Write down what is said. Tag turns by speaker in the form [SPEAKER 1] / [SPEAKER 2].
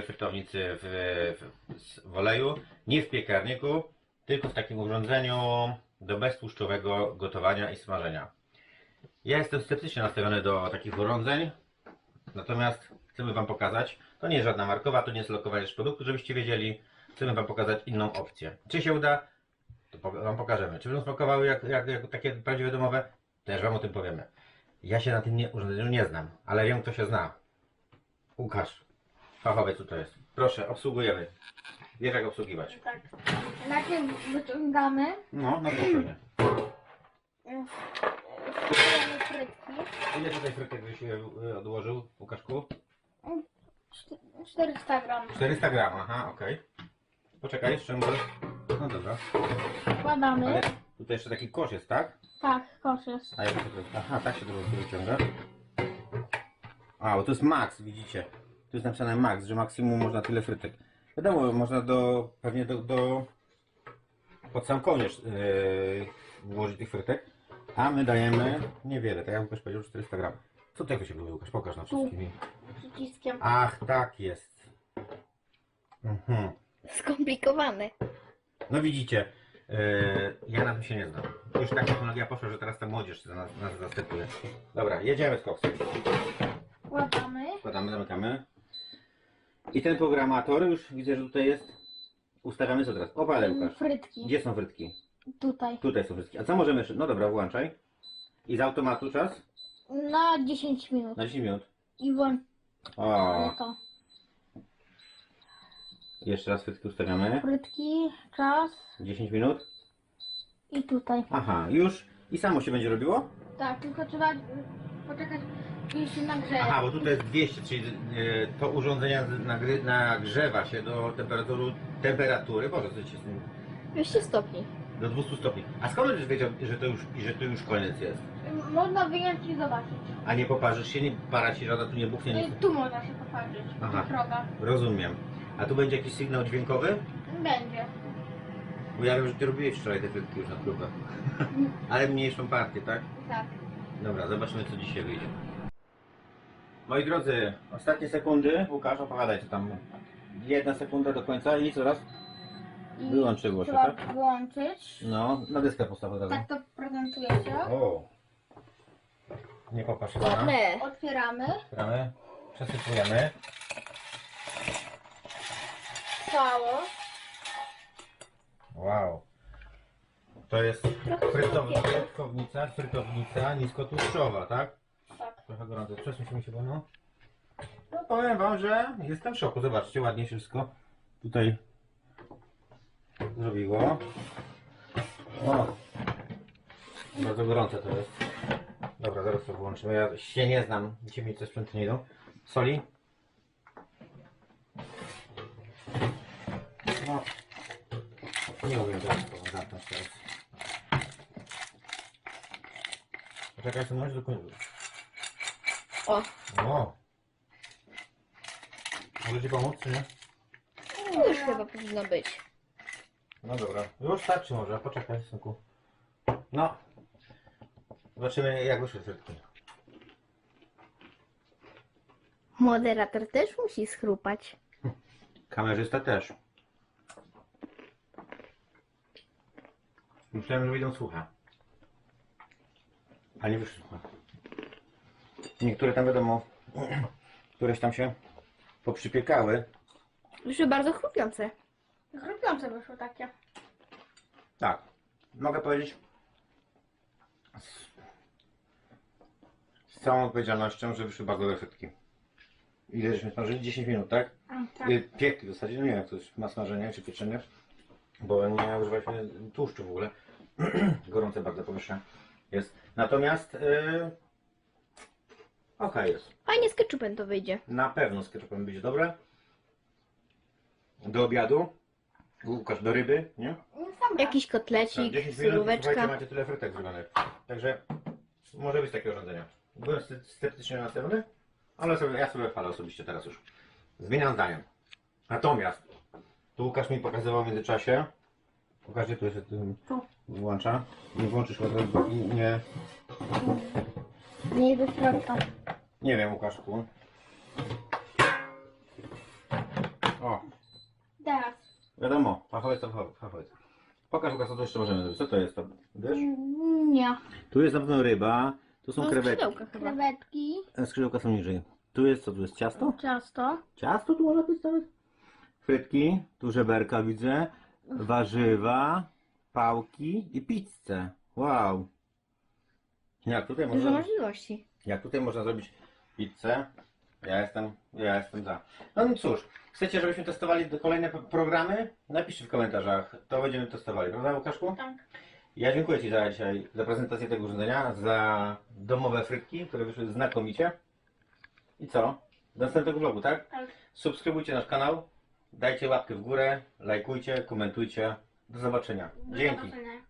[SPEAKER 1] frytownicy w oleju, nie w piekarniku, tylko w takim urządzeniu do beztłuszczowego gotowania i smażenia. Ja jestem sceptycznie nastawiony do takich urządzeń, natomiast chcemy Wam pokazać, to nie jest żadna markowa, to nie jest lokowanie produktu, żebyście wiedzieli, chcemy Wam pokazać inną opcję. Czy się uda, to Wam pokażemy. Czy będą smakowały jak takie prawdziwe domowe, też Wam o tym powiemy. Ja się na tym urządzeniu nie znam, ale wiem, kto się zna. Łukasz, fachowiec tutaj jest. Proszę, obsługujemy. Wiesz, jak obsługiwać.
[SPEAKER 2] Tak. Najpierw wyciągamy
[SPEAKER 1] No spokojnie.
[SPEAKER 2] wkładamy frytki.
[SPEAKER 1] Ile tutaj frytek byś odłożył, Łukaszku?
[SPEAKER 2] 400 gram.
[SPEAKER 1] 400 gram, aha, okej. Poczekaj, ściągnę. No dobra.
[SPEAKER 2] Wkładamy.
[SPEAKER 1] Ale tutaj jeszcze taki kosz jest, tak?
[SPEAKER 2] Tak, kosz jest.
[SPEAKER 1] A ja to aha, tak się to wyciąga. A, bo to jest max, widzicie. Tu jest napisane max, że maksimum można tyle frytek. Wiadomo, można pewnie pod sam koniec włożyć tych frytek. A my dajemy niewiele, tak jak Łukasz powiedział, 400 gram. Co tego się mówi, Łukasz? Pokaż nam wszystkim.
[SPEAKER 2] Przyciskiem.
[SPEAKER 1] Ach, tak jest. Mhm.
[SPEAKER 3] Skomplikowane.
[SPEAKER 1] No widzicie, ja na tym się nie znam. Już tak technologia poszła, że teraz ta młodzież nas zastępuje. Dobra, jedziemy z koksem.
[SPEAKER 2] Wkładamy.
[SPEAKER 1] Wkładamy, zamykamy. I ten programator już widzę, że tutaj jest. Ustawiamy co teraz? Opalę, Łukasz.
[SPEAKER 2] Frytki.
[SPEAKER 1] Gdzie są frytki?
[SPEAKER 2] Tutaj.
[SPEAKER 1] Tutaj są frytki. A co możemy jeszcze? No dobra, włączaj. I z automatu czas?
[SPEAKER 2] Na 10 minut.
[SPEAKER 1] Na 10 minut.
[SPEAKER 2] I włączamy
[SPEAKER 1] O,
[SPEAKER 2] to.
[SPEAKER 1] jeszcze raz frytki ustawiamy.
[SPEAKER 2] Frytki, czas
[SPEAKER 1] 10 minut.
[SPEAKER 2] i tutaj.
[SPEAKER 1] Aha, już. I samo się będzie robiło?
[SPEAKER 2] Tak, tylko trzeba poczekać, kiedy się nagrzeje.
[SPEAKER 1] Aha, bo tutaj jest 200, czyli to urządzenie nagrzewa się do temperatury, Boże, co się z tym,
[SPEAKER 3] 200 stopni.
[SPEAKER 1] do 200 stopni. A skąd będziesz wiedział, że to już koniec jest?
[SPEAKER 2] Można wyjąć i zobaczyć.
[SPEAKER 1] A nie poparzysz się, nie para ci żadna, tu nie buchnie
[SPEAKER 2] No
[SPEAKER 1] nic.
[SPEAKER 2] i tu można się popatrzeć.
[SPEAKER 1] Aha.
[SPEAKER 2] Droga.
[SPEAKER 1] Rozumiem. A tu będzie jakiś sygnał dźwiękowy?
[SPEAKER 2] Będzie.
[SPEAKER 1] Bo ja wiem, że ty robiłeś wczoraj te frytki już na próbę. Ale mniejszą partię, tak?
[SPEAKER 2] Tak.
[SPEAKER 1] Dobra, zobaczymy, co dzisiaj wyjdzie. Moi drodzy, ostatnie sekundy. Łukasz, opowiadaj, co tam. 1 sekunda do końca i coraz
[SPEAKER 2] I
[SPEAKER 1] wyłączyło się,
[SPEAKER 2] trzeba
[SPEAKER 1] tak?
[SPEAKER 2] włączyć.
[SPEAKER 1] No, na dyskę postaw od razu.
[SPEAKER 2] Tak to prezentuje się.
[SPEAKER 1] O! Nie popatrz na.
[SPEAKER 3] Ładne.
[SPEAKER 2] Otwieramy.
[SPEAKER 1] Otwieramy, przesypujemy.
[SPEAKER 2] Cało.
[SPEAKER 1] Wow. To jest frytownica niskotłuszczowa, tak?
[SPEAKER 2] Tak.
[SPEAKER 1] Trochę gorąco. Przesuń się, bo no. No powiem wam, że jestem w szoku. Zobaczcie, ładnie się wszystko tutaj zrobiło. O! Bardzo gorące to jest. Dobra, zaraz to włączymy. Ja się nie znam. Dzisiaj mi te sprzęty nie idą. Soli. No. Nie umiem teraz zamknąć teraz. Poczekaj, co możesz do końca.
[SPEAKER 3] O,
[SPEAKER 1] O! Może ci pomóc, czy nie?
[SPEAKER 3] już chyba powinno być.
[SPEAKER 1] No dobra. Już starczy może, poczekaj, synku. No. Zobaczymy, jak wyszły frytki.
[SPEAKER 3] Moderator też musi schrupać.
[SPEAKER 1] Kamerzysta też. Myślałem, że wyjdą suche. A nie wyszły suche. Niektóre tam wiadomo, któreś tam się poprzypiekały.
[SPEAKER 3] Już bardzo chrupiące.
[SPEAKER 2] Chrupiące wyszło takie.
[SPEAKER 1] Tak. Mogę powiedzieć z całą odpowiedzialnością, że wyszły bardzo dobre frytki. Ile żeśmy smażyli? 10 minut, tak?
[SPEAKER 2] Tak.
[SPEAKER 1] Piekli w zasadzie, no nie wiem jak to jest, ma smażenie czy pieczenie, bo nie używaliśmy tłuszczu w ogóle. Gorące bardzo powietrze jest. Natomiast okej jest.
[SPEAKER 3] Fajnie z ketchupem to wyjdzie.
[SPEAKER 1] Na pewno z ketchupem będzie dobre. Do obiadu. Łukasz, do ryby, nie?
[SPEAKER 3] Jakiś
[SPEAKER 1] Tak,
[SPEAKER 3] kotlecik,
[SPEAKER 1] 10 minut,
[SPEAKER 3] suróweczka.
[SPEAKER 1] słuchajcie, macie tyle frytek zrobionych. Także może być takie urządzenie. Byłem sceptycznie nastawiony, ale ja sobie chwalę osobiście teraz już. Zmieniam zdanie. Natomiast tu Łukasz mi pokazywał w międzyczasie. Pokażcie, tu jest
[SPEAKER 2] Tu.
[SPEAKER 1] włącza. Nie włączysz od razu i nie.
[SPEAKER 2] Nie do środka.
[SPEAKER 1] Nie wiem, Łukaszku. Wiadomo, fachowiec to fachowiec. Pokaż, Łukasz, co tu jeszcze możemy zrobić. Co to jest to? Wiesz?
[SPEAKER 2] Nie.
[SPEAKER 1] Tu jest na pewno ryba, tu są
[SPEAKER 3] No,
[SPEAKER 1] krewetki.
[SPEAKER 3] skrzydełka chyba.
[SPEAKER 2] Krewetki,
[SPEAKER 1] Skrzydełka są niżej. Tu jest co? Tu jest ciasto?
[SPEAKER 2] ciasto,
[SPEAKER 1] Ciasto tu można być nawet? Frytki, tu żeberka widzę, warzywa, pałki i pizzę. Wow.
[SPEAKER 3] Dużo możliwości.
[SPEAKER 1] Jak tutaj można zrobić pizzę? Ja jestem za. No cóż, chcecie, żebyśmy testowali kolejne programy? Napiszcie w komentarzach, to będziemy testowali, prawda Łukaszku?
[SPEAKER 2] tak.
[SPEAKER 1] Ja dziękuję Ci za prezentację tego urządzenia, za domowe frytki, które wyszły znakomicie. I co? Do następnego vlogu, tak?
[SPEAKER 2] Tak.
[SPEAKER 1] Subskrybujcie nasz kanał, dajcie łapkę w górę, lajkujcie, komentujcie. Do zobaczenia.
[SPEAKER 2] Do
[SPEAKER 1] Dzięki.
[SPEAKER 2] zobaczenia.